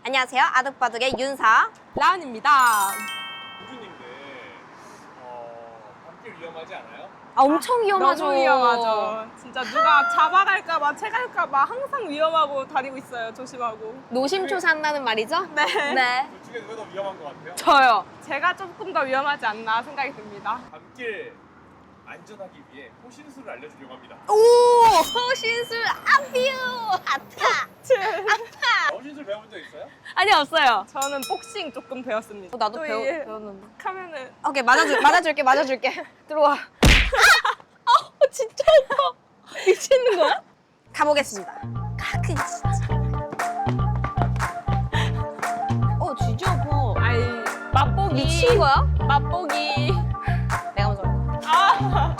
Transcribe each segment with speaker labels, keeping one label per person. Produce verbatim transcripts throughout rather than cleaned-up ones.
Speaker 1: 안녕하세요. 아득바득의 윤사
Speaker 2: 라은입니다.
Speaker 3: 우주님들 어, 밤길 위험하지 않아요?
Speaker 1: 아, 엄청 위험하죠.
Speaker 2: 너무 위험하죠. 진짜 누가 잡아갈까봐, 채갈까봐 항상 위험하고 다니고 있어요. 조심하고.
Speaker 1: 노심초사한다는 말이죠?
Speaker 2: 네.
Speaker 1: 네.
Speaker 3: 둘 중에 누가 더 위험한 것 같아요?
Speaker 2: 저요. 제가 조금 더 위험하지 않나 생각이 듭니다.
Speaker 3: 밤길 안전하기 위해 호신술을 알려주려고 합니다.
Speaker 1: 오! 호신술 아뷰! 아타! 아타!
Speaker 3: 호신술 배워본 적 있어요?
Speaker 1: 아니, 없어요.
Speaker 2: 저는 복싱 조금 배웠습니다.
Speaker 1: 어, 나도
Speaker 2: 또
Speaker 1: 배우,
Speaker 2: 이게
Speaker 1: 배웠는데.
Speaker 2: 하면은
Speaker 1: 오케이, 맞아줄, 맞아줄게, 맞아줄게. 들어와. 아! 어, 진짜 아파. 미치는 거야? 가보겠습니다. 아, 그 진짜. 어, 진짜 아파.
Speaker 2: 아이 맛보기.
Speaker 1: 미친 거야?
Speaker 2: 맛보기.
Speaker 1: 내가 먼저 할게.
Speaker 2: 아.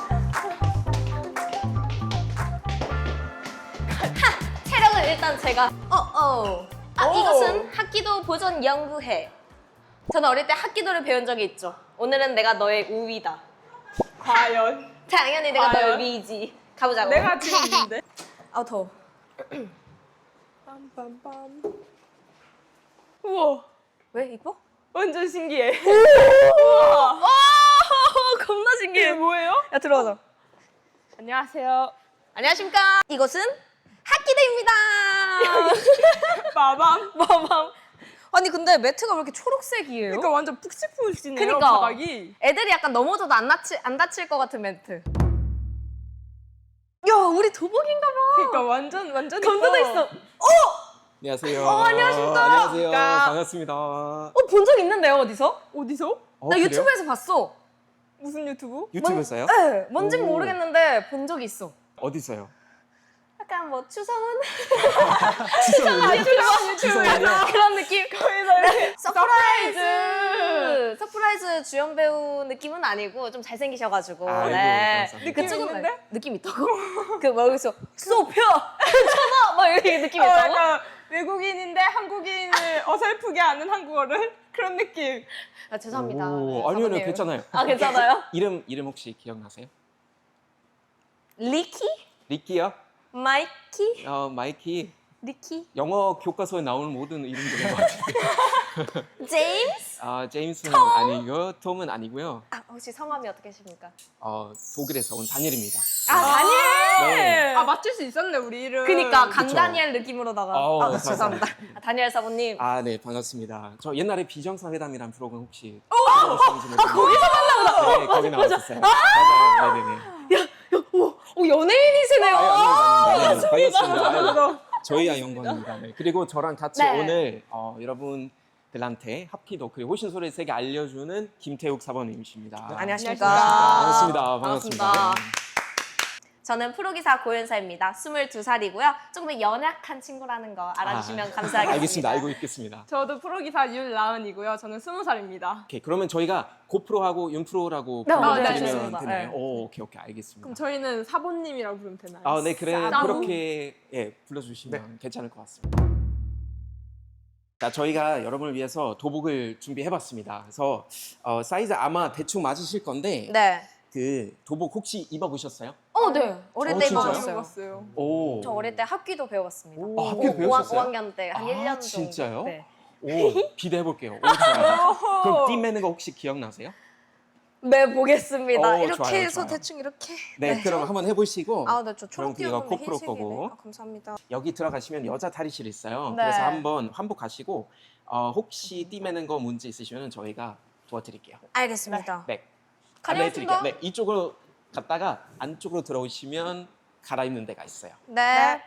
Speaker 1: 체력은 일단 제가 어어 아
Speaker 2: 오.
Speaker 1: 이것은 합기도 보존 연구회. 저는 어릴 때 합기도를 배운 적이 있죠. 오늘은 내가 너의 우위다.
Speaker 2: 과연
Speaker 1: 당연히 내가
Speaker 2: 과연?
Speaker 1: 너의 위지. 가보자고.
Speaker 2: 내가 지금 있는데.
Speaker 1: 아 더워.
Speaker 2: 빰빰빰. 우와.
Speaker 1: 왜 이뻐?
Speaker 2: 완전 신기해.
Speaker 1: 우와. 오 겁나
Speaker 2: 이게
Speaker 1: 신기해.
Speaker 2: 뭐예요?
Speaker 1: 야 들어가자.
Speaker 2: 안녕하세요.
Speaker 1: 안녕하십니까. 이곳은 합기도입니다.
Speaker 2: 빠밤.
Speaker 1: 마밤. 아니 근데 매트가 왜 이렇게 초록색이에요?
Speaker 2: 그러니까 완전 푹신푹신해요.
Speaker 1: 그니까.
Speaker 2: 바닥이.
Speaker 1: 애들이 약간 넘어져도 안 다칠, 안 다칠 것 같은 매트. 야, 우리 도복인가 봐.
Speaker 2: 그러니까 완전 완전
Speaker 1: 건드도
Speaker 2: 이뻐.
Speaker 1: 있어.
Speaker 4: 안녕하세요.
Speaker 1: 어, 안녕하십니까.
Speaker 4: 안녕하세요.
Speaker 2: 그러니까.
Speaker 4: 반갑습니다.
Speaker 1: 어, 본 적 있는데요, 어디서?
Speaker 2: 어디서?
Speaker 4: 어,
Speaker 1: 나
Speaker 4: 그래요?
Speaker 1: 유튜브에서 봤어.
Speaker 2: 무슨 유튜브?
Speaker 4: 유튜브에서요?
Speaker 1: 네, 뭔진
Speaker 4: 오.
Speaker 1: 모르겠는데 본 적이 있어.
Speaker 4: 어디서요?
Speaker 1: 약간 뭐 추성훈?
Speaker 4: 추성훈이요?
Speaker 1: 유튜브,
Speaker 4: 추성훈이요?
Speaker 1: 그런 느낌?
Speaker 2: 거기서 이렇게
Speaker 1: 서프라이즈! 서프라이즈 주연 배우 느낌은 아니고 좀 잘생기셔가지고.
Speaker 4: 아이고,
Speaker 1: 네.
Speaker 4: 감사합니다.
Speaker 1: 그쪽은
Speaker 2: 느낌 있는데?
Speaker 1: 왜? 느낌 있다고? 그 여기서 소피아! 괜찮아! 막 이렇게 느낌
Speaker 2: 어,
Speaker 1: 있다고?
Speaker 2: 약간 외국인인데 한국인을 어설프게 아는 한국어를 그런 느낌.
Speaker 1: 아, 죄송합니다.
Speaker 4: 오,
Speaker 1: 네,
Speaker 4: 아니요, 아니요,
Speaker 1: 사모님.
Speaker 4: 괜찮아요.
Speaker 1: 아, 괜찮아요?
Speaker 4: 이름 이름 혹시 기억나세요?
Speaker 1: 리키?
Speaker 4: 리키요?
Speaker 1: 마이키?
Speaker 4: 어, 마이키.
Speaker 1: 리키?
Speaker 4: 영어 교과서에 나오는 모든 이름들인 것 같은데.
Speaker 1: 제임스?
Speaker 4: 아, 제임스는 아니고, 톰은 아니고요.
Speaker 1: 아, 혹시 성함이 어떻게 되십니까?
Speaker 4: 어, 독일에서 온 다니엘입니다.
Speaker 1: 아, 다니엘!
Speaker 4: 네.
Speaker 2: 아 맞출 수 있었네 우리 이름.
Speaker 1: 그니까
Speaker 4: 그쵸.
Speaker 1: 강다니엘 느낌으로다가.
Speaker 4: 아우,
Speaker 1: 아, 죄송합니다. 아, 다니엘 사모님.
Speaker 4: 아, 네, 반갑습니다. 저 옛날에 비정상회담이라는 프로그램 혹시 들어보셨는지
Speaker 1: 아, 거기서
Speaker 4: 만나보다. 네, 거기 나왔었어요. 맞아요. 네네네.
Speaker 1: 오, 오 연예인이시네요.
Speaker 4: 아, 네, 반갑습니다.
Speaker 2: 감사합니다.
Speaker 4: 아유, 저희야 영광입니다. 네. 그리고 저랑 같이
Speaker 1: 네.
Speaker 4: 오늘 어, 여러분들한테 합기도 그리고 호신소리 세계 알려주는 김태욱 사범님이십니다.
Speaker 1: 안녕하십니까.
Speaker 4: 반갑습니다.
Speaker 1: 반갑습니다.
Speaker 4: 반갑습니다.
Speaker 1: 저는 프로기사 고윤서입니다. 스물두 살이고요. 조금 더 연약한 친구라는 거 알아주시면
Speaker 4: 아,
Speaker 1: 감사하겠습니다.
Speaker 4: 알겠습니다. 알고 있겠습니다.
Speaker 2: 저도 프로기사 윤라은이고요. 저는 스무 살입니다.
Speaker 4: 오케이, 그러면 저희가 고프로하고 윤프로라고
Speaker 1: 네,
Speaker 4: 부르면
Speaker 1: 네,
Speaker 4: 되면
Speaker 1: 좋습니다.
Speaker 4: 되나요?
Speaker 1: 네.
Speaker 4: 오, 오케이, 오케이, 알겠습니다.
Speaker 2: 그럼 저희는 사모님이라고 부르면 되나요?
Speaker 4: 아, 네, 그래
Speaker 2: 사부.
Speaker 4: 그렇게 예, 불러주시면 괜찮을 것 같습니다. 자, 저희가 여러분을 위해서 도복을 준비해봤습니다. 그래서 어, 사이즈 아마 대충 맞으실 건데
Speaker 1: 네.
Speaker 4: 그 도복 혹시 입어보셨어요?
Speaker 1: 어, 네. 어릴
Speaker 4: 어,
Speaker 1: 때
Speaker 4: 진짜요?
Speaker 1: 입어봤어요.
Speaker 2: 먹었어요.
Speaker 4: 오.
Speaker 1: 저 어릴 때 합기도 배워봤습니다.
Speaker 4: 아, 합기도 배우셨어요?
Speaker 1: 오 학년 때 한
Speaker 4: 아,
Speaker 1: 일 년 정도.
Speaker 4: 진짜요?
Speaker 1: 네.
Speaker 4: 오, 기대해볼게요. 오, 좋아요. 그럼 띠 매는 거 혹시 기억나세요?
Speaker 1: 네, 보겠습니다.
Speaker 4: 오,
Speaker 1: 이렇게
Speaker 4: 좋아요,
Speaker 1: 해서
Speaker 4: 좋아요.
Speaker 1: 대충 이렇게.
Speaker 4: 네, 그럼 한번 해보시고
Speaker 1: 아, 네, 저
Speaker 4: 그럼
Speaker 1: 초록
Speaker 4: 그게
Speaker 1: 띄웠는데
Speaker 4: 코프로
Speaker 1: 흰색이네.
Speaker 4: 거고.
Speaker 1: 아, 감사합니다.
Speaker 4: 여기 들어가시면 여자 탈의실 있어요.
Speaker 1: 네.
Speaker 4: 그래서 한번 환복하시고 어, 혹시 띠 매는 거 문제 있으시면 저희가 도와드릴게요.
Speaker 1: 알겠습니다.
Speaker 4: 네.
Speaker 1: 가려주신다?
Speaker 4: 안내해드릴게요. 네, 이쪽으로 갔다가 안쪽으로 들어오시면 갈아입는 데가 있어요.
Speaker 1: 네.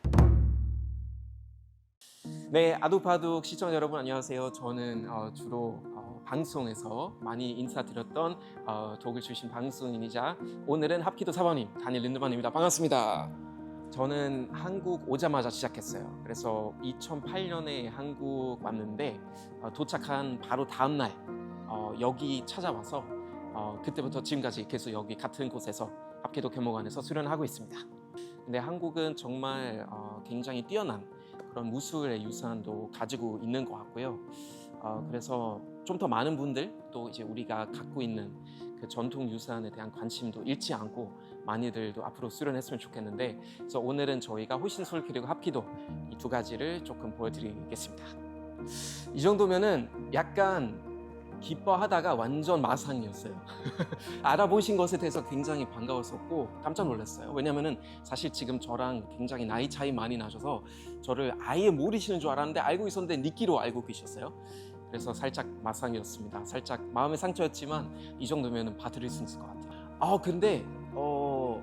Speaker 4: 네, 아두바둑 시청자 여러분 안녕하세요. 저는 어, 주로 어, 방송에서 많이 인사드렸던 어, 독일 출신 방송인이자 오늘은 합기도 사범님 다니엘 린드만입니다. 반갑습니다. 저는 한국 오자마자 시작했어요. 그래서 이천팔 년에 한국 왔는데 어, 도착한 바로 다음 날 어, 여기 찾아와서 어, 그때부터 지금까지 계속 여기 같은 곳에서 합기도 교목원에서 수련하고 있습니다. 근데 한국은 정말 어, 굉장히 뛰어난 그런 무술의 유산도 가지고 있는 것 같고요. 어, 그래서 좀 더 많은 분들 또 이제 우리가 갖고 있는 그 전통 유산에 대한 관심도 잃지 않고 많이들도 앞으로 수련했으면 좋겠는데, 그래서 오늘은 저희가 호신술 그리고 합기도 이 두 가지를 조금 보여드리겠습니다. 이 정도면은 약간 기뻐하다가 완전 마상이었어요. 알아보신 것에 대해서 굉장히 반가웠었고 깜짝 놀랐어요. 왜냐면은 사실 지금 저랑 굉장히 나이 차이 많이 나셔서 저를 아예 모르시는 줄 알았는데 알고 있었는데 니끼로 알고 계셨어요. 그래서 살짝 마상이었습니다. 살짝 마음의 상처였지만 이 정도면은 봐드릴 수 있을 것 같아요. 아 근데 어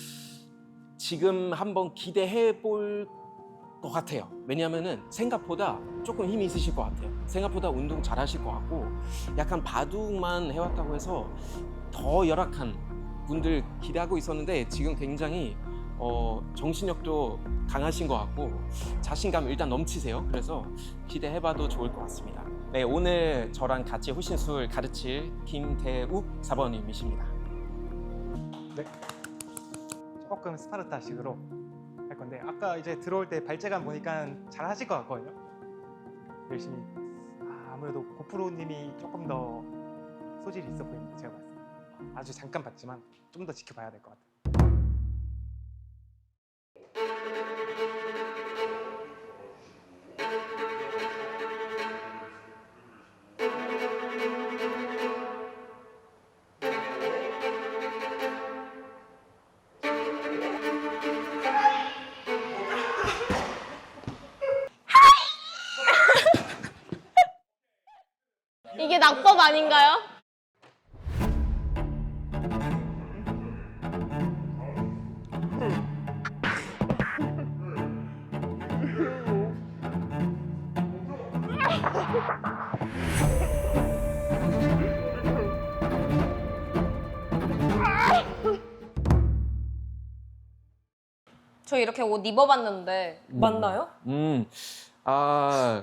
Speaker 4: 지금 한번 기대해 볼 것 같아요. 왜냐하면은 생각보다 조금 힘이 있으실 것 같아요. 생각보다 운동 잘하실 것 같고 약간 바둑만 해왔다고 해서 더 열악한 분들 기대하고 있었는데 지금 굉장히 어, 정신력도 강하신 것 같고 자신감 일단 넘치세요. 그래서 기대해봐도 좋을 것 같습니다. 네, 오늘 저랑 같이 호신술 가르칠 김태욱 사번님이십니다.
Speaker 5: 네. 조금 스파르타식으로 할 건데 아까 이제 들어올 때 발재간 보니까 잘 하실 것 같거든요. 열심히. 아, 아무래도 고프로님이 조금 더 소질이 있어 보입니다. 제가 봤을 때. 아주 잠깐 봤지만 좀 더 지켜봐야 될 것 같아요.
Speaker 1: 이게 낙법 아닌가요? 저 이렇게 옷 입어봤는데 맞나요?
Speaker 4: 음, 아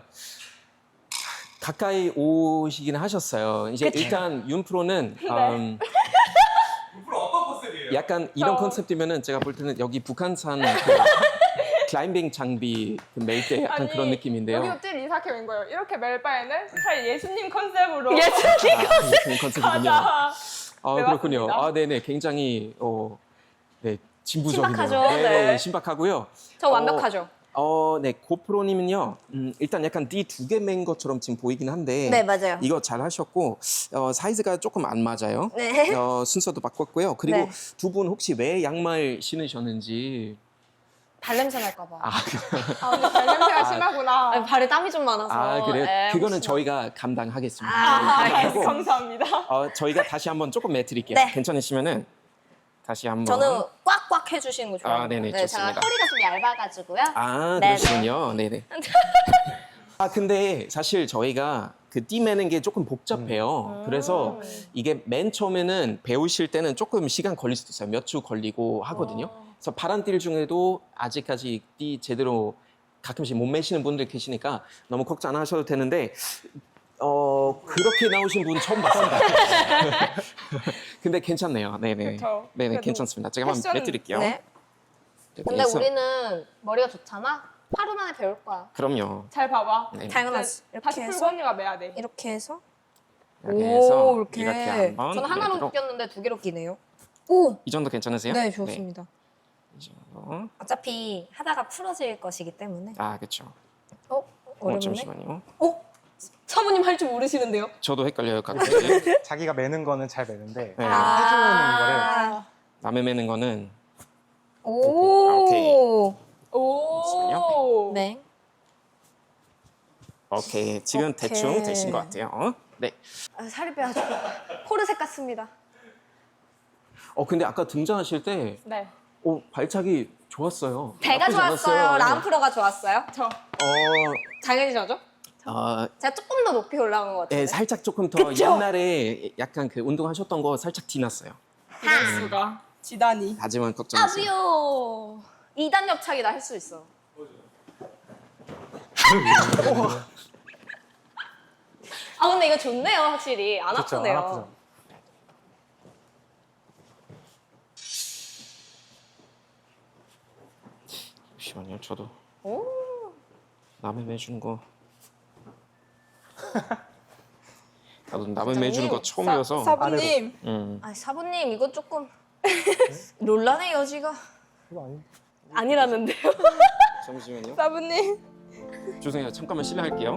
Speaker 4: 가까이 오시긴 하셨어요. 이제
Speaker 1: 그쵸?
Speaker 4: 일단 윤 프로는
Speaker 1: 네.
Speaker 4: 음,
Speaker 3: 앞으로 어떤 컨셉이에요?
Speaker 4: 약간 이런
Speaker 2: 저-
Speaker 4: 컨셉이면은 제가 볼 때는 여기 북한산 그 클라이밍 장비 그 멜 때 약간
Speaker 2: 아니,
Speaker 4: 그런 느낌인데요.
Speaker 2: 여기도 찔 이삭형인 거예요. 이렇게 멜 바에는 차라리 예수님 컨셉으로
Speaker 1: 예수님
Speaker 4: 아, 그런 컨셉이군요.
Speaker 2: 가자.
Speaker 4: 아
Speaker 2: 네,
Speaker 4: 그렇군요.
Speaker 2: 맞습니다.
Speaker 4: 아 네네 굉장히 어, 네 진부적이네요.
Speaker 1: 신박하죠?
Speaker 4: 네,
Speaker 2: 네.
Speaker 4: 신박하고요.
Speaker 1: 저 완벽하죠?
Speaker 4: 어, 네 고프로님은요. 음, 일단 약간 띠 두 개 맨 것처럼 지금 보이긴 한데
Speaker 1: 네, 맞아요.
Speaker 4: 이거 잘 하셨고 어, 사이즈가 조금 안 맞아요.
Speaker 1: 네.
Speaker 4: 어, 순서도 바꿨고요. 그리고
Speaker 1: 네.
Speaker 4: 두 분 혹시 왜 양말 신으셨는지
Speaker 1: 발냄새 날까봐.
Speaker 4: 아,
Speaker 2: 아, 근데 발냄새가 심하구나.
Speaker 1: 아니, 발에 땀이 좀 많아서.
Speaker 4: 아 그래
Speaker 1: 에,
Speaker 4: 그거는
Speaker 1: 혹시나.
Speaker 4: 저희가 감당하겠습니다.
Speaker 1: 아,
Speaker 4: 네,
Speaker 2: 아,
Speaker 4: 그리고,
Speaker 2: 감사합니다.
Speaker 4: 어, 저희가 다시 한번 조금 매드릴게요.
Speaker 1: 네.
Speaker 4: 괜찮으시면은 다시 한번.
Speaker 1: 저는 꽉꽉 해주시는 거 좋아해요.
Speaker 4: 아, 네네,
Speaker 1: 네, 제가
Speaker 4: 좋습니다.
Speaker 1: 허리가 좀 얇아가지고요.
Speaker 4: 아
Speaker 1: 네네.
Speaker 4: 그러시군요. 네네. 아 근데 사실 저희가 그 띠 매는 게 조금 복잡해요. 그래서 이게 맨 처음에는 배우실 때는 조금 시간 걸릴 수도 있어요. 몇 주 걸리고 하거든요. 그래서 파란 띠 중에도 아직까지 띠 제대로 가끔씩 못 매시는 분들 계시니까 너무 걱정 안 하셔도 되는데 어 그렇게 나오신 분 처음 봤습니다. 근데 괜찮네요. 네네.
Speaker 2: 그쵸.
Speaker 4: 네네
Speaker 2: 그래도
Speaker 4: 괜찮습니다. 제가 한번
Speaker 2: 패션-
Speaker 4: 매드릴게요.
Speaker 1: 네. 근데
Speaker 4: 그래서-
Speaker 1: 우리는 머리가 좋잖아? 하루 만에 배울 거야.
Speaker 4: 그럼요.
Speaker 2: 잘 봐봐.
Speaker 4: 네.
Speaker 1: 당연하지.
Speaker 2: 이제 다시
Speaker 1: 이렇게
Speaker 2: 풀고 언니가 매야 돼.
Speaker 1: 이렇게 해서.
Speaker 4: 이렇게 해서
Speaker 1: 오, 이렇게.
Speaker 4: 이렇게 한번
Speaker 1: 저는 하나로
Speaker 4: 매도록.
Speaker 1: 꼈는데 두 개로 끼네요. 오!
Speaker 4: 이 정도 괜찮으세요?
Speaker 1: 네, 좋습니다.
Speaker 4: 이 정도.
Speaker 1: 어차피 하다가 풀어질 것이기 때문에.
Speaker 4: 아 그렇죠.
Speaker 1: 어?
Speaker 4: 어,
Speaker 1: 어렵네?
Speaker 4: 잠시만요.
Speaker 1: 어? 사모님 할 줄 모르시는데요?
Speaker 4: 저도 헷갈려요 가끔.
Speaker 5: 자기가 매는 거는 잘 매는데
Speaker 4: 네.
Speaker 5: 해주는 거를
Speaker 1: 아.
Speaker 4: 남의 매는 거는
Speaker 1: 오.
Speaker 2: 오.
Speaker 1: 네.
Speaker 4: 오케이 지금
Speaker 1: 오케이.
Speaker 4: 대충 되신 것 같아요. 어? 네.
Speaker 1: 아, 살이 빼야죠. 포르색 같습니다.
Speaker 4: 어 근데 아까 등장하실 때
Speaker 2: 네.
Speaker 4: 어, 발차기 좋았어요.
Speaker 1: 배가
Speaker 4: 나쁘지
Speaker 1: 좋았어요.
Speaker 4: 않았어요.
Speaker 1: 라운프로가 좋았어요.
Speaker 2: 저.
Speaker 4: 어,
Speaker 1: 당연히 저죠.
Speaker 4: 어,
Speaker 1: 제가 조금 더 높이 올라온 것 같아요.
Speaker 4: 네, 살짝 조금 더
Speaker 1: 그쵸?
Speaker 4: 옛날에 약간 그 운동하셨던 거 살짝 티났어요.
Speaker 2: 이럴 수가. 지단이.
Speaker 4: 하지만 걱정 마세요.
Speaker 1: 아부요. 이 단 옆차기 나 할 수 있어. 아 근데 이거 좋네요 확실히 안
Speaker 5: 그렇죠.
Speaker 1: 아프네요.
Speaker 5: 안 아프죠.
Speaker 4: 잠시만요. 저도
Speaker 1: 오.
Speaker 4: 남의 매주는 거. 나도 남의 매주는 거 처음이어서.
Speaker 2: 사부님.
Speaker 4: 음.
Speaker 1: 아 사부님 이거 조금 논란의 여지가
Speaker 5: 그거 아니
Speaker 1: 아니라는데요.
Speaker 4: 잠시만요.
Speaker 2: 사부님.
Speaker 4: 죄송해요. 잠깐만 실례할게요.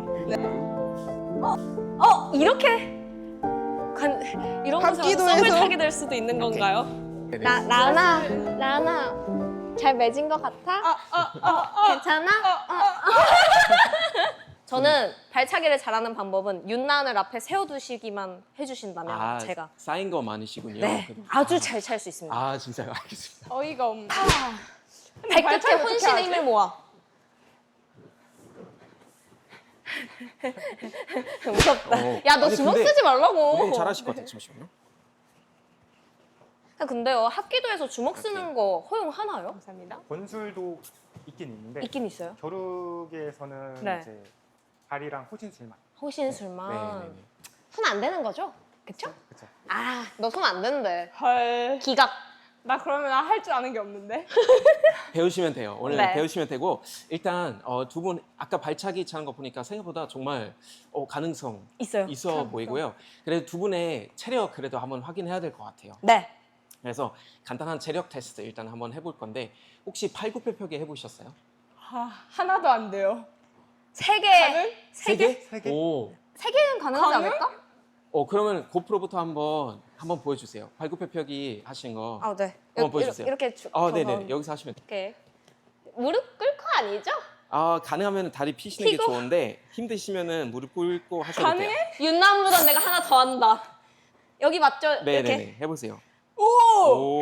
Speaker 1: 어 이렇게 관 이런 곳에서
Speaker 2: 합기도에서?
Speaker 1: 썸을 타게 될 수도 있는 건가요?
Speaker 4: 네네.
Speaker 1: 나 라나 라나 잘 맺은 것 같아? 괜찮아? 저는 발차기를 잘하는 방법은 윤난을 앞에 세워두시기만 해주신다면
Speaker 4: 아,
Speaker 1: 제가
Speaker 4: 쌓인 거 많으시군요.
Speaker 1: 네
Speaker 4: 그럼.
Speaker 1: 아주 잘 찰 수 있습니다.
Speaker 4: 아 진짜요? 알겠습니다.
Speaker 2: 어이가 없네.
Speaker 1: 발끝에
Speaker 2: 발차기 어떻게
Speaker 1: 혼신의
Speaker 2: 하지?
Speaker 1: 힘을 모아. 무섭다.
Speaker 4: 어.
Speaker 1: 야 너
Speaker 4: 아니,
Speaker 1: 주먹
Speaker 4: 근데
Speaker 1: 쓰지 말라고.
Speaker 4: 운동 잘하실 것 같아요. 잠시만요.
Speaker 1: 아, 근데요 합기도에서 주먹 쓰는 거 허용하나요?
Speaker 2: 감사합니다.
Speaker 5: 권술도 있긴 있는데
Speaker 1: 있긴 있어요.
Speaker 5: 겨루기에서는
Speaker 1: 네.
Speaker 5: 이제 발이랑 호신술만.
Speaker 1: 호신술만.
Speaker 4: 네네네.
Speaker 1: 손 안 되는 거죠? 그쵸?
Speaker 5: 그렇죠.
Speaker 1: 아 너 손 안 되는데.
Speaker 2: 헐.
Speaker 1: 기각.
Speaker 2: 나 그러면 할 줄 아는 게 없는데.
Speaker 4: 배우시면 돼요. 오늘
Speaker 1: 네.
Speaker 4: 배우시면 되고 일단 어, 두 분 아까 발차기 차는 거 보니까 생각보다 정말 어, 가능성
Speaker 1: 있어요.
Speaker 4: 있어 보이고요. 그래도 두 분의 체력 그래도 한번 확인해야 될 것 같아요.
Speaker 1: 네.
Speaker 4: 그래서 간단한 체력 테스트 일단 한번 해볼 건데 혹시 팔굽혀펴기 해보셨어요?
Speaker 2: 아, 하나도 안 돼요.
Speaker 1: 세 개.
Speaker 2: 가능?
Speaker 1: 세 개?
Speaker 5: 세 개?
Speaker 4: 오.
Speaker 1: 세 개는 가능하지
Speaker 2: 가능?
Speaker 1: 않을까?
Speaker 4: 어 그러면 고프로부터 한번 한번 보여주세요. 팔굽혀펴기 하신 거.
Speaker 1: 아 네.
Speaker 4: 한번 보여주세요.
Speaker 1: 이렇게 주,
Speaker 4: 아
Speaker 1: 저거
Speaker 4: 네네 여기서 하시면 돼요.
Speaker 1: 이렇게 무릎 꿇고 아니죠?
Speaker 4: 아 가능하면 다리 피시는 게
Speaker 1: 피고?
Speaker 4: 좋은데 힘드시면은 무릎 꿇고 하셔도 돼요.
Speaker 2: 가능해?
Speaker 1: 윤남보다 내가 하나 더 한다. 여기 맞죠?
Speaker 4: 네네네
Speaker 1: 이렇게.
Speaker 4: 해보세요.
Speaker 2: 오!
Speaker 4: 오.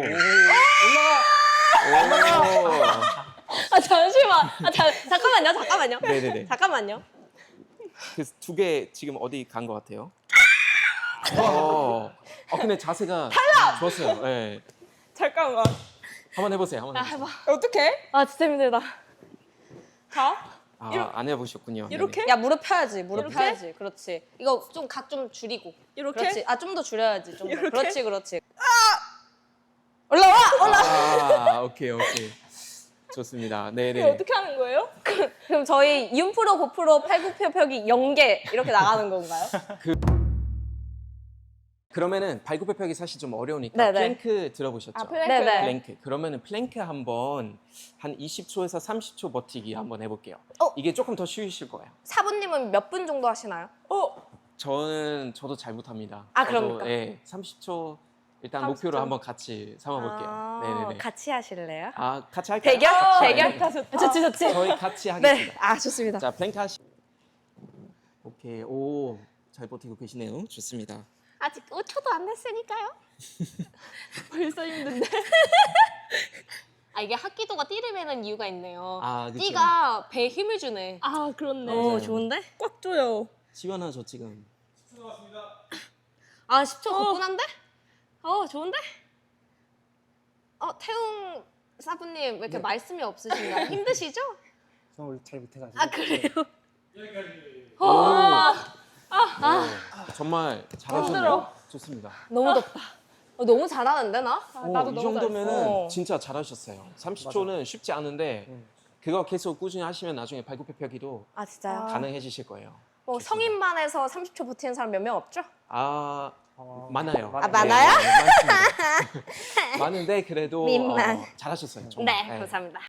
Speaker 4: 올라가.
Speaker 1: 아 잠시만. 아 자, 잠깐만요. 잠깐만요.
Speaker 4: 네네네.
Speaker 1: 잠깐만요.
Speaker 4: 그 두 개 지금 어디 간 것 같아요? 어. 어 근데 자세가 좋았어요. 네.
Speaker 2: 잠깐만.
Speaker 4: 한번 해보세요. 한번
Speaker 1: 아
Speaker 4: 해보세요.
Speaker 1: 해봐.
Speaker 2: 어떡해?
Speaker 1: 아 진짜 힘들다.
Speaker 2: 자.
Speaker 4: 아, 안 해보셨군요.
Speaker 2: 이렇게?
Speaker 1: 야 무릎 펴야지. 무릎
Speaker 2: 이렇게?
Speaker 1: 펴야지. 그렇지. 이거 좀 각 좀 줄이고.
Speaker 2: 이렇게?
Speaker 1: 그렇지. 아 좀 더 줄여야지. 좀 더.
Speaker 2: 이렇게?
Speaker 1: 그렇지 그렇지. 올라와 올라.
Speaker 4: 아, 오케이 오케이. 좋습니다.
Speaker 2: 이게
Speaker 4: 네네.
Speaker 2: 어떻게 하는 거예요?
Speaker 1: 그럼 저희 윤프로 고프로 팔굽혀펴기 영 개 이렇게 나가는 건가요?
Speaker 4: 그러면은 발굽혀펴기 사실 좀 어려우니까
Speaker 1: 네네.
Speaker 4: 플랭크 들어보셨죠?
Speaker 2: 아, 플랭크.
Speaker 1: 네네.
Speaker 4: 플랭크. 그러면은 플랭크 한번 한 이십 초에서 삼십 초 버티기 한번 해볼게요.
Speaker 1: 어?
Speaker 4: 이게 조금 더 쉬우실 거예요.
Speaker 1: 사부님은 몇 분 정도 하시나요?
Speaker 2: 어?
Speaker 4: 저는 저도 잘 못합니다.
Speaker 1: 아,
Speaker 4: 저도,
Speaker 1: 그럽니까?
Speaker 4: 예, 삼십 초 일단
Speaker 2: 삼십 초?
Speaker 4: 목표로 한번 같이 삼아볼게요.
Speaker 1: 아,
Speaker 4: 네네네.
Speaker 1: 같이 하실래요?
Speaker 4: 아 같이 할까요?
Speaker 1: 대결?
Speaker 4: 같이
Speaker 1: 대결?
Speaker 4: 할까요?
Speaker 2: 좋다.
Speaker 1: 좋지 좋지.
Speaker 4: 저희 같이
Speaker 1: 네.
Speaker 4: 하겠습니다.
Speaker 1: 아 좋습니다.
Speaker 4: 자 플랭크 하시. 오케이 오 잘 버티고 계시네요. 좋습니다.
Speaker 1: 아직 오 초도 안 됐으니까요.
Speaker 2: 벌써 힘든데.
Speaker 1: 아 이게 합기도가 띠를 매는 이유가 있네요.
Speaker 4: 아 그쵸.
Speaker 1: 띠가 배에 힘을 주네.
Speaker 2: 아, 그렇네.
Speaker 4: 맞아요.
Speaker 1: 좋은데?
Speaker 2: 꽉 조여.
Speaker 4: 시원하죠 지금.
Speaker 1: 아 십 초 가뿐한데? 어 좋은데? 어 태웅 사부님 왜 이렇게
Speaker 5: 네.
Speaker 1: 말씀이 없으신가요? 힘드시죠?
Speaker 5: 저는 원래 잘 못해가지고.
Speaker 1: 아 그래요?
Speaker 4: 오.
Speaker 1: 아,
Speaker 4: 오, 정말 잘하셨네요.
Speaker 2: 힘들어.
Speaker 4: 좋습니다.
Speaker 1: 너무 덥다. 어, 너무 잘하는데 나?
Speaker 2: 아,
Speaker 4: 오,
Speaker 2: 나도
Speaker 4: 이
Speaker 2: 너무
Speaker 4: 정도면은
Speaker 1: 잘했어.
Speaker 4: 진짜 잘하셨어요. 삼십 초는 쉽지 않은데
Speaker 5: 음.
Speaker 4: 그거 계속 꾸준히 하시면 나중에 발굽혀펴기도
Speaker 1: 아 진짜요?
Speaker 2: 아.
Speaker 4: 가능해지실 거예요.
Speaker 1: 뭐
Speaker 4: 좋습니다.
Speaker 1: 성인반에서 삼십 초 버티는 사람 몇 명 없죠?
Speaker 4: 아
Speaker 5: 어,
Speaker 4: 많아요.
Speaker 1: 아, 많아요?
Speaker 4: 네, 네, 많습니다. 많은데 그래도
Speaker 1: 민망.
Speaker 4: 어, 잘하셨어요. 정말.
Speaker 1: 네, 감사합니다.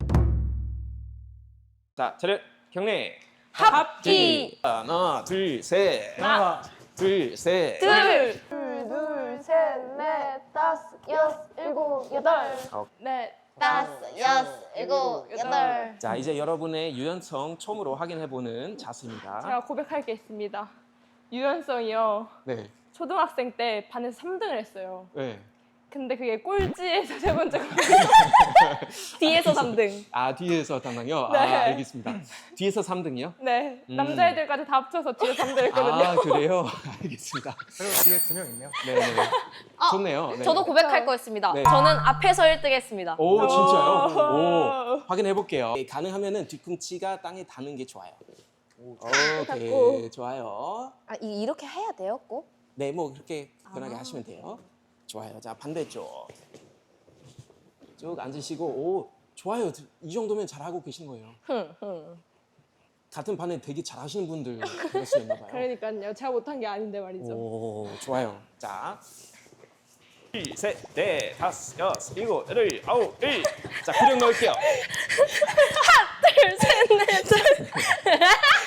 Speaker 4: 자, 차렷 경례.
Speaker 1: 합기
Speaker 4: 하나, 둘, 셋.
Speaker 5: 하나,
Speaker 4: 둘, 셋.
Speaker 1: 둘.
Speaker 2: 둘, 셋, 넷, 다섯, 여섯, 일곱, 여덟. 넷,
Speaker 1: 다섯, 여섯, 일곱, 여덟.
Speaker 4: 자, 이제 여러분의 유연성 처음으로 확인해보는 자세입니다.
Speaker 2: 제가 고백할 게 있습니다. 유연성이요.
Speaker 4: 네.
Speaker 2: 초등학생 때 반에서 삼 등을 했어요.
Speaker 4: 네.
Speaker 2: 근데 그게 꼴찌에서 세 번째 없어요.
Speaker 1: 뒤에서 삼 등.
Speaker 4: 아, 뒤에서 담당요?
Speaker 2: 네.
Speaker 4: 아, 알겠습니다. 뒤에서 삼 등이요?
Speaker 2: 네,
Speaker 4: 음.
Speaker 2: 남자애들까지 다 합쳐서 뒤에 삼 등 했거든요.
Speaker 4: 아, 그래요? 알겠습니다.
Speaker 5: 그리고 뒤에 두 명 있네요.
Speaker 4: 네, 네.
Speaker 1: 아,
Speaker 4: 좋네요. 네.
Speaker 1: 저도 고백할 거였습니다.
Speaker 4: 네.
Speaker 1: 저는 앞에서 일 등 했습니다.
Speaker 4: 오, 진짜요?
Speaker 2: 오.
Speaker 4: 오, 확인해 볼게요. 가능하면은 뒤꿈치가 땅에 닿는 게 좋아요. 오케이,
Speaker 2: 닿고.
Speaker 4: 좋아요.
Speaker 1: 아, 이- 이렇게 해야 돼요, 꼭?
Speaker 4: 네, 뭐 그렇게 편하게
Speaker 1: 아.
Speaker 4: 하시면 돼요. 좋아요. 자, 반대쪽. 쭉 앉으시고, 오, 좋아요. 이 정도면 잘하고 계신 거예요.
Speaker 1: 흥, 흥.
Speaker 4: 같은 반에 되게 잘하시는 분들 그랬었나 봐요.
Speaker 2: 그러니까요. 제가 못한 게 아닌데 말이죠.
Speaker 4: 오, 좋아요. 자, 둘, 셋, 넷, 다섯, 여섯, 일곱, 여덟, 아홉, 일. 자, 구령 넣을게요.
Speaker 1: 둘, 셋, 넷, 둘.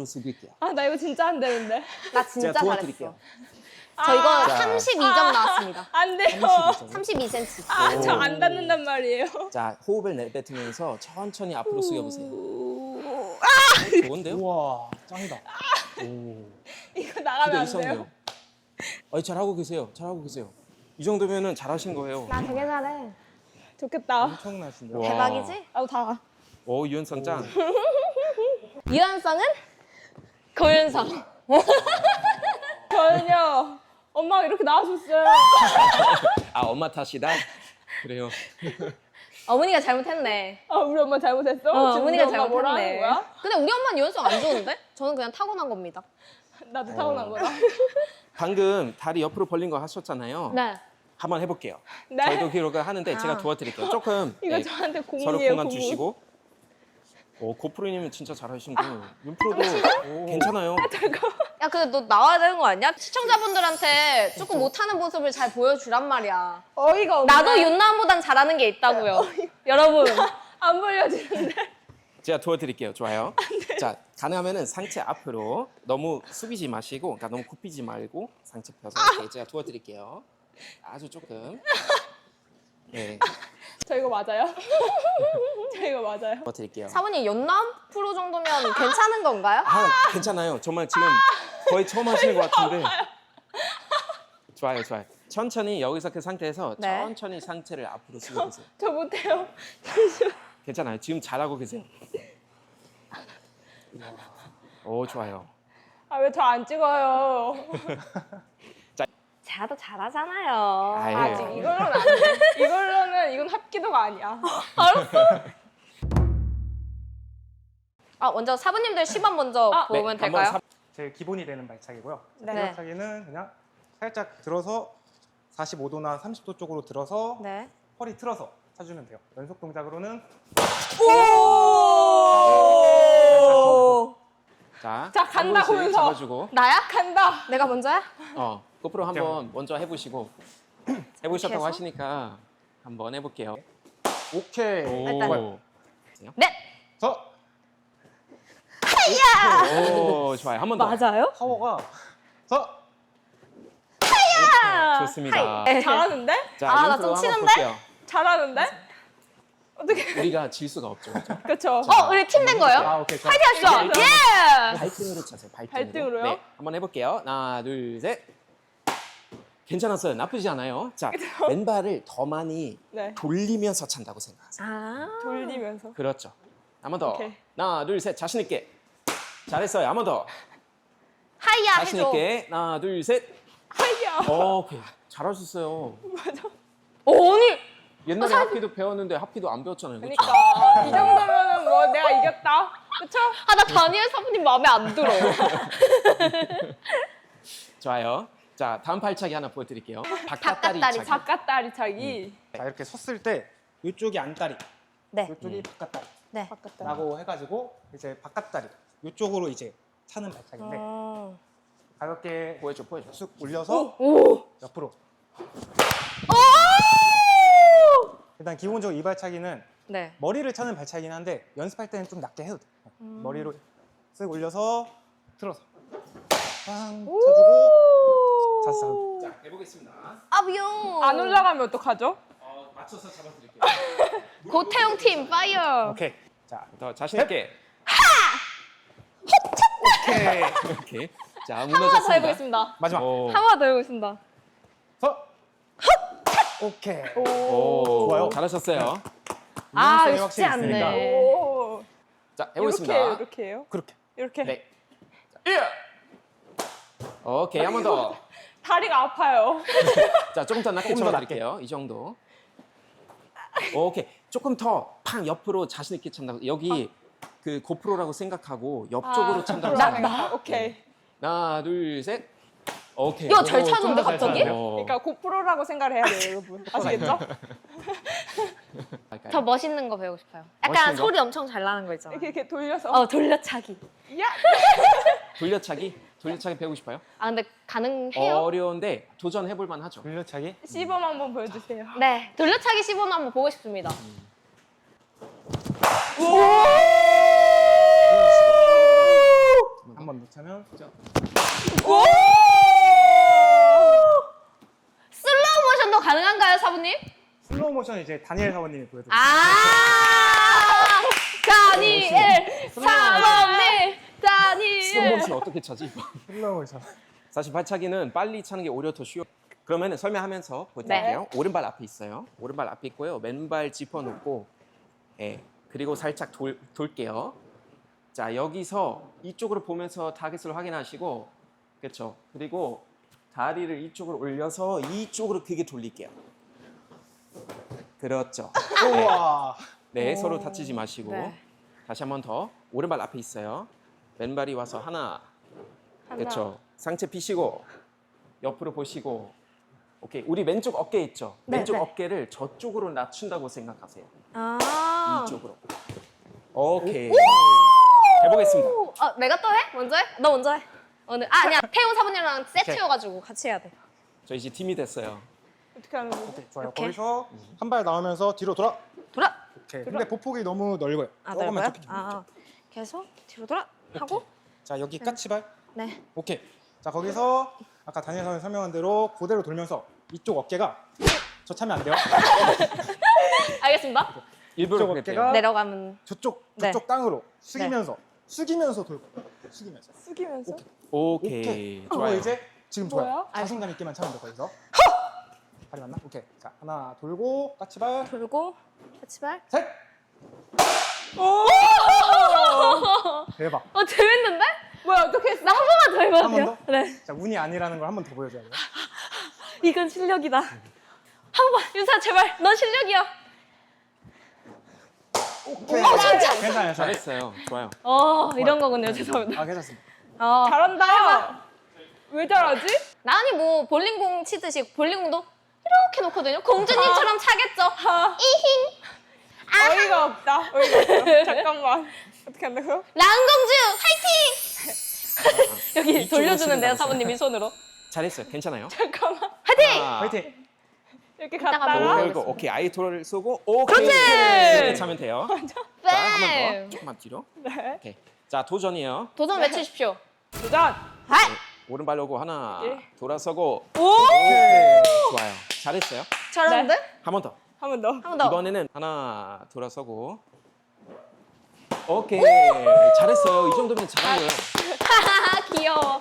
Speaker 4: 숙일게요.
Speaker 2: 아, 나 이거 진짜 안 되는데.
Speaker 1: 나 진짜
Speaker 4: 제가
Speaker 1: 잘했어.
Speaker 4: 도와드릴게요.
Speaker 1: 저 이거
Speaker 4: 자.
Speaker 1: 삼십이 점 나왔습니다.
Speaker 2: 안 돼요.
Speaker 1: 삼십이 센티미터.
Speaker 2: 아, 저 안 닿는단 말이에요.
Speaker 4: 자, 호흡을 내뱉으면서 천천히 앞으로 숙여보세요.
Speaker 2: 오,
Speaker 4: 어, 좋은데요?
Speaker 5: 우와, 짱이다. 오.
Speaker 2: 이거
Speaker 4: 기대
Speaker 2: 나가면 안
Speaker 4: 이상해요.
Speaker 2: 돼요.
Speaker 4: 어, 잘하고 계세요. 잘하고 계세요. 이 정도면은 잘하신 거예요.
Speaker 1: 나 되게 잘해.
Speaker 2: 좋겠다.
Speaker 5: 엄청나신데요.
Speaker 4: 와.
Speaker 1: 대박이지?
Speaker 2: 아우, 다.
Speaker 4: 오, 유연성 짱.
Speaker 1: 유연성은 고연성.
Speaker 2: 저는요, 엄마가 이렇게 나와줬어요.
Speaker 4: 아, 엄마 탓이다? 그래요.
Speaker 1: 어머니가 잘못했네.
Speaker 2: 아, 우리 엄마 잘못했어?
Speaker 1: 어,
Speaker 2: 지금
Speaker 1: 어머니가
Speaker 2: 우리 엄마 뭐라 하는
Speaker 1: 잘못했네.
Speaker 2: 거야?
Speaker 1: 근데 우리 엄마는 유연성 안 좋은데? 저는 그냥 타고난 겁니다.
Speaker 2: 나도 타고난 거다.
Speaker 4: 방금 다리 옆으로 벌린 거 하셨잖아요.
Speaker 1: 네.
Speaker 4: 한번 해볼게요.
Speaker 2: 네.
Speaker 4: 저희도 기록을 하는데
Speaker 1: 아.
Speaker 4: 제가 도와드릴게요. 조금
Speaker 2: 이거
Speaker 4: 네,
Speaker 2: 저한테
Speaker 4: 서로
Speaker 2: 공이에요,
Speaker 4: 공간
Speaker 2: 공이.
Speaker 4: 주시고. 오, 고프로님은 진짜 잘하신 거. 윤프로도 괜찮아요.
Speaker 1: 야, 근데 너 나와야 되는 거 아니야? 시청자분들한테 조금 못하는 모습을 잘 보여주란 말이야.
Speaker 2: 어이가 없네.
Speaker 1: 나도 윤나은보단 잘하는 게 있다고요. 여러분.
Speaker 2: 안 벌려지는데.
Speaker 4: 제가 도와드릴게요. 좋아요. 자, 가능하면은 상체 앞으로 너무 숙이지 마시고, 그러니까 너무 굽히지 말고 상체 펴서 이렇게 제가 도와드릴게요. 아주 조금. 네,
Speaker 2: 저 이거 맞아요? 저 이거 맞아요?
Speaker 4: 도와드릴게요.
Speaker 1: 사모님 윤나은 프로 정도면 괜찮은 건가요?
Speaker 4: 아, 괜찮아요. 정말 지금 거의 처음 하시는 것 같은데. 좋아요, 좋아요. 천천히 여기서 그 상태에서
Speaker 1: 네.
Speaker 4: 천천히 상체를 앞으로 숙여보세요.
Speaker 2: 저 못해요.
Speaker 4: 괜찮아요. 지금 잘하고 계세요. 오, 좋아요.
Speaker 2: 아, 왜 저 안 찍어요?
Speaker 1: 제가 더 잘하잖아요.
Speaker 4: 아예.
Speaker 2: 아직 이걸로는 안 돼. 이걸로는 이건 합기도가 아니야.
Speaker 1: 아, 먼저 사부님들 시범 먼저
Speaker 2: 아,
Speaker 1: 보면
Speaker 4: 네,
Speaker 1: 될까요?
Speaker 4: 한번
Speaker 5: 제일 기본이 되는 발차기고요.
Speaker 2: 네.
Speaker 5: 이 발차기는 그냥 살짝 들어서 사십오 도나 삼십 도 쪽으로 들어서
Speaker 1: 네.
Speaker 5: 허리 틀어서 차주면 돼요. 연속 동작으로는
Speaker 4: 자,
Speaker 2: 자, 간다,
Speaker 4: 한 번씩
Speaker 2: 고윤서.
Speaker 4: 잡아주고.
Speaker 1: 나야?
Speaker 2: 간다.
Speaker 1: 내가 먼저야?
Speaker 4: 어, 고프로 한번 먼저 해보시고 해보셨다고
Speaker 1: 해서?
Speaker 4: 하시니까 한번 해볼게요.
Speaker 5: 오케이.
Speaker 1: 일단.
Speaker 4: 오,
Speaker 1: 네.
Speaker 5: 서
Speaker 4: 오, 좋아요. 한 번 더.
Speaker 1: 맞아요?
Speaker 5: 파워가 서
Speaker 4: 좋습니다.
Speaker 1: 하이.
Speaker 2: 잘하는데?
Speaker 4: 자,
Speaker 1: 아, 나
Speaker 4: 윤프로
Speaker 1: 좀
Speaker 4: 한번
Speaker 1: 치는데?
Speaker 4: 볼게요.
Speaker 2: 잘하는데? 어떻게?
Speaker 4: 우리가 질 수가 없죠. 그렇죠?
Speaker 2: 그쵸?
Speaker 1: 어, 우리 팀 된 거예요?
Speaker 5: 아, 오케이. 좋아.
Speaker 1: 파이팅했어. 예!
Speaker 4: 발등으로 차세요. 발등으로.
Speaker 2: 발등으로요?
Speaker 4: 네, 한번 해볼게요. 하나, 둘, 셋. 괜찮았어요. 나쁘지 않아요. 자, 왼발을 더 많이
Speaker 2: 네.
Speaker 4: 돌리면서 찬다고 생각하세요.
Speaker 1: 아.
Speaker 2: 돌리면서.
Speaker 4: 그렇죠. 한 번 더.
Speaker 2: 오케이.
Speaker 4: 하나, 둘, 셋. 자신 있게. 잘했어요. 한 번 더.
Speaker 1: 하이야
Speaker 4: 자신
Speaker 1: 해줘.
Speaker 4: 있게. 하나, 둘, 셋.
Speaker 2: 하이야.
Speaker 4: 오케이. 잘하셨어요.
Speaker 1: 어, 아니.
Speaker 4: 옛날에 합기도 배웠는데 합기도 안 배웠잖아요. 그렇죠?
Speaker 2: 그러니까 이 정도면은 뭐 내가 이겼다. 그쵸?
Speaker 1: 아, 나 다니엘 사부님 마음에 안 들어.
Speaker 4: 좋아요. 자, 다음 발차기 하나 보여드릴게요. 바깥다리
Speaker 1: 바깥다리
Speaker 4: 차기.
Speaker 2: 바깥다리 차기.
Speaker 5: 자, 이렇게 섰을 때 이쪽이 안다리,
Speaker 1: 네.
Speaker 5: 이쪽이 바깥다리라고
Speaker 1: 네.
Speaker 2: 바깥다리.
Speaker 5: 해가지고 이제 바깥다리 이쪽으로 이제 차는 발차기인데
Speaker 1: 어.
Speaker 5: 가볍게
Speaker 4: 보여줘, 보여줘.
Speaker 5: 쑥 올려서
Speaker 1: 오.
Speaker 5: 옆으로. 일단 기본적으로 이 발차기는
Speaker 1: 네.
Speaker 5: 머리를 차는 발차기긴 한데 연습할 때는 좀 낮게 해도 돼. 머리로 쓱 올려서 틀어서 빵 차주고 잤어.
Speaker 4: 자, 해보겠습니다.
Speaker 1: 아비용.
Speaker 2: 안 올라가면 어떡하죠?
Speaker 4: 어, 맞춰서 잡아드릴게요.
Speaker 1: 고태용 팀 파이어.
Speaker 5: 오케이. 자,
Speaker 4: 더 자신 있게.
Speaker 5: 오케이.
Speaker 4: 이렇게. 자,
Speaker 1: 한 번 더
Speaker 4: 무너졌습니다.
Speaker 1: 해보겠습니다.
Speaker 5: 마지막.
Speaker 4: 오.
Speaker 1: 한 번 더 해보겠습니다.
Speaker 5: 서. 오케이.
Speaker 4: 오.
Speaker 5: 좋아요.
Speaker 4: 잘하셨어요.
Speaker 1: 아,
Speaker 5: 유연성이
Speaker 1: 쉽지
Speaker 5: 확실히 있으니까.
Speaker 1: 않네.
Speaker 2: 오.
Speaker 4: 자,
Speaker 2: 이렇게
Speaker 4: 해보겠습니다.
Speaker 2: 해요, 이렇게 해요.
Speaker 5: 그렇게.
Speaker 2: 이렇게.
Speaker 4: 네. 자, 오케이, 한 번 더.
Speaker 2: 다리가 아파요.
Speaker 4: 자, 조금 더 낮게
Speaker 5: 조금 더
Speaker 4: 쳐드릴게요. 이 정도. 오케이. 조금 더 팡 옆으로 자신 있게 찬다고. 여기 그 고프로라고 생각하고 옆쪽으로 찬다고
Speaker 2: 나,
Speaker 4: 생각해요.
Speaker 2: 나, 오케이.
Speaker 4: 하나, 둘, 셋. 오케이.
Speaker 1: 야, 잘
Speaker 4: 오,
Speaker 1: 차는데,
Speaker 4: 좀더 잘
Speaker 1: 갑자기?
Speaker 4: 차네요. 어.
Speaker 2: 그러니까 고프로라고 생각을 해야 돼요, 여러분. 아시겠죠?
Speaker 4: 할까요?
Speaker 1: 저 멋있는 거 배우고 싶어요. 약간
Speaker 4: 멋있는 거?
Speaker 1: 소리 엄청 잘 나는 거 있잖아.
Speaker 2: 이렇게, 이렇게 돌려서.
Speaker 1: 어, 돌려차기.
Speaker 2: 야!
Speaker 4: 돌려차기? 돌려차기 배우고 싶어요?
Speaker 1: 아, 근데 가능해요?
Speaker 4: 어려운데 도전해볼 만하죠.
Speaker 5: 돌려차기.
Speaker 2: 시범 한번 보여주세요.
Speaker 1: 네. 돌려차기 시범 한번 보고 싶습니다.
Speaker 5: 한 이제 다니엘 사모님이 보여드릴게요.
Speaker 1: 아 다니엘 사범님 다니엘.
Speaker 4: 슬로모션 어떻게 차지?
Speaker 5: 슬로우션.
Speaker 4: 사실 발차기는 빨리 차는 게 오히려 더 쉬워. 그러면 설명하면서 보여드릴게요. 오른발 앞에 있어요. 오른발 앞에 있고요. 왼발 짚어놓고, 예. 그리고 살짝 돌, 돌게요. 자, 여기서 이쪽으로 보면서 타겟을 확인하시고, 그렇죠. 그리고 다리를 이쪽으로 올려서 이쪽으로 크게 돌릴게요. 그렇죠.
Speaker 5: 우와.
Speaker 4: 네,
Speaker 1: 오.
Speaker 4: 서로 다치지 마시고.
Speaker 1: 네.
Speaker 4: 다시 한 번 더. 오른발 앞에 있어요. 왼발이 와서 하나. 그렇죠. 상체 피시고 옆으로 보시고. 오케이. 우리 왼쪽 어깨 있죠?
Speaker 1: 네,
Speaker 4: 왼쪽
Speaker 1: 네.
Speaker 4: 어깨를 저쪽으로 낮춘다고 생각하세요.
Speaker 1: 아.
Speaker 4: 이쪽으로. 오케이. 해보겠습니다.
Speaker 1: 오, 아 내가 또 해? 먼저 해? 너 먼저 해. 오늘 아 아니야 태호 사부님이랑 세트여가지고 같이 해야 돼.
Speaker 4: 저 이제 팀이 됐어요.
Speaker 2: 어떻게 하는 거지?
Speaker 5: 오케이, 좋아요.
Speaker 1: 이렇게?
Speaker 5: 거기서 한 발 나오면서 뒤로 돌아.
Speaker 1: 돌아.
Speaker 5: 오케이. 근데 보폭이 너무 넓어요.
Speaker 1: 아
Speaker 5: 조금만
Speaker 1: 넓어요?
Speaker 5: 좁히기.
Speaker 1: 아 계속 뒤로 돌아 하고.
Speaker 5: 자, 여기 까치발.
Speaker 1: 네.
Speaker 5: 오케이. 자, 거기서 아까 다니엘 사모님 설명한 대로 그대로 돌면서 이쪽 어깨가 저 차면 안 돼요.
Speaker 1: 알겠습니다.
Speaker 4: 일부러
Speaker 5: 이쪽
Speaker 4: 그랬대요.
Speaker 5: 어깨가
Speaker 1: 내려가면
Speaker 5: 저쪽
Speaker 1: 네.
Speaker 5: 저쪽 땅으로 숙이면서 숙이면서 돌고 숙이면서.
Speaker 2: 숙이면서?
Speaker 4: 오케이.
Speaker 5: 오케이.
Speaker 4: 좋아요.
Speaker 5: 그거 이제 지금 좋아요.
Speaker 2: 뭐야?
Speaker 5: 자신감 있게만 차면 돼 거기서. 발이 맞나? 오케이. 자, 하나 돌고 까치발.
Speaker 1: 돌고 같이발.
Speaker 5: 셋. 대박.
Speaker 1: 어 재밌는데?
Speaker 2: 뭐야 어떻게 했어?
Speaker 1: 나 한 번만 더 해봐도
Speaker 5: 한
Speaker 1: 돼요?
Speaker 5: 번 더?
Speaker 1: 네.
Speaker 5: 자, 운이 아니라는 걸 한 번 더 보여줘야 돼요.
Speaker 1: 이건 실력이다. 한 번만 윤사 제발. 넌 실력이야.
Speaker 5: 오케이.
Speaker 1: 어, 진짜?
Speaker 5: 괜찮아요. 잘했어요.
Speaker 4: 잘했어요. 좋아요.
Speaker 1: 어 이런 거군요. 죄송합니다.
Speaker 5: 아, 괜찮습니다.
Speaker 1: 어.
Speaker 2: 잘한다. 왜 잘하지?
Speaker 1: 나은이 뭐 볼링공 치듯이 볼링공도 이렇게 놓거든요. 공주님처럼 차겠죠. 이힝.
Speaker 2: 어이가 없다. 어이가 없어. 잠깐만. 어떻게 한다고요?
Speaker 1: 랑공주 화이팅! 여기
Speaker 4: 이쪽으로
Speaker 1: 돌려주는데요
Speaker 4: 쓰는
Speaker 1: 사부님이 손으로.
Speaker 4: 잘했어요. 괜찮아요.
Speaker 2: 잠깐만.
Speaker 1: 화이팅!
Speaker 4: 하나,
Speaker 5: 화이팅.
Speaker 2: 이렇게
Speaker 1: 이따가
Speaker 2: 갔다가
Speaker 1: 보고.
Speaker 4: 돌고 오케이 아이토를 쏘고 오케이
Speaker 1: 그렇지!
Speaker 4: 이렇게 차면 돼요. 자, 한 번
Speaker 1: 뱀!
Speaker 4: 더. 조금만 뒤로.
Speaker 2: 네.
Speaker 4: 오케이. 자, 도전이에요.
Speaker 1: 도전 외치십시오.
Speaker 2: 도전.
Speaker 1: 하이!
Speaker 4: 오른발 오고 하나
Speaker 2: 예.
Speaker 4: 돌아서고
Speaker 2: 오!
Speaker 5: 오케이.
Speaker 4: 좋아요. 잘했어요.
Speaker 1: 잘하는데?
Speaker 4: 한 번 더.
Speaker 2: 한 번 더.
Speaker 1: 한 번 더.
Speaker 4: 이번에는 하나 돌아서고 오케이 잘했어요. 이 정도면 잘한 거예요.
Speaker 1: 하하하 귀여워.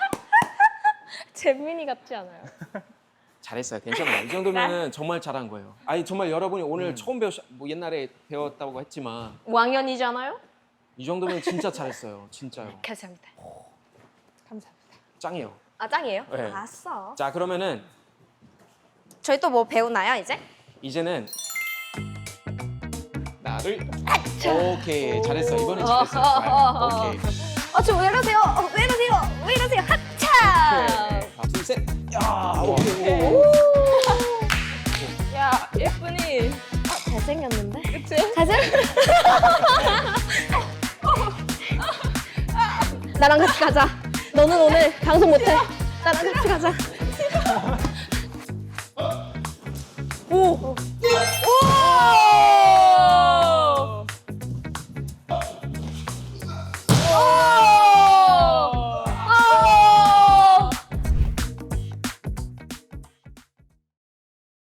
Speaker 1: 재민이 같지 않아요?
Speaker 4: 잘했어요. 괜찮아요. 이 정도면은 정말 잘한 거예요. 아니 정말 여러분이 오늘 처음 배우셨 뭐 옛날에 배웠다고 했지만
Speaker 1: 왕년이잖아요?
Speaker 4: 이 정도면 진짜 잘했어요. 진짜요.
Speaker 1: 감사합니다.
Speaker 2: 감사합니다.
Speaker 4: 짱이에요.
Speaker 1: 아 짱이에요?
Speaker 4: 네.
Speaker 1: 알았어.
Speaker 4: 자 그러면은
Speaker 1: 저희 또 뭐 배우나요 이제?
Speaker 4: 이제는 나를 오케이 잘했어. 이번엔 잘했어.
Speaker 1: 어, 어, 어, 어.
Speaker 4: 좋아요. 오케이.
Speaker 1: 아 저 왜 이러세요? 어, 왜 이러세요? 왜 이러세요? 하차!
Speaker 4: 하나 둘 셋. 야 오케이.
Speaker 1: 오!
Speaker 2: 야 예쁜이.
Speaker 1: 잘생겼는데?
Speaker 2: 그치?
Speaker 1: 잘생. 나랑 같이 가자. 너는 오늘 방송 못해. 나랑 같이 가자. 오. 오.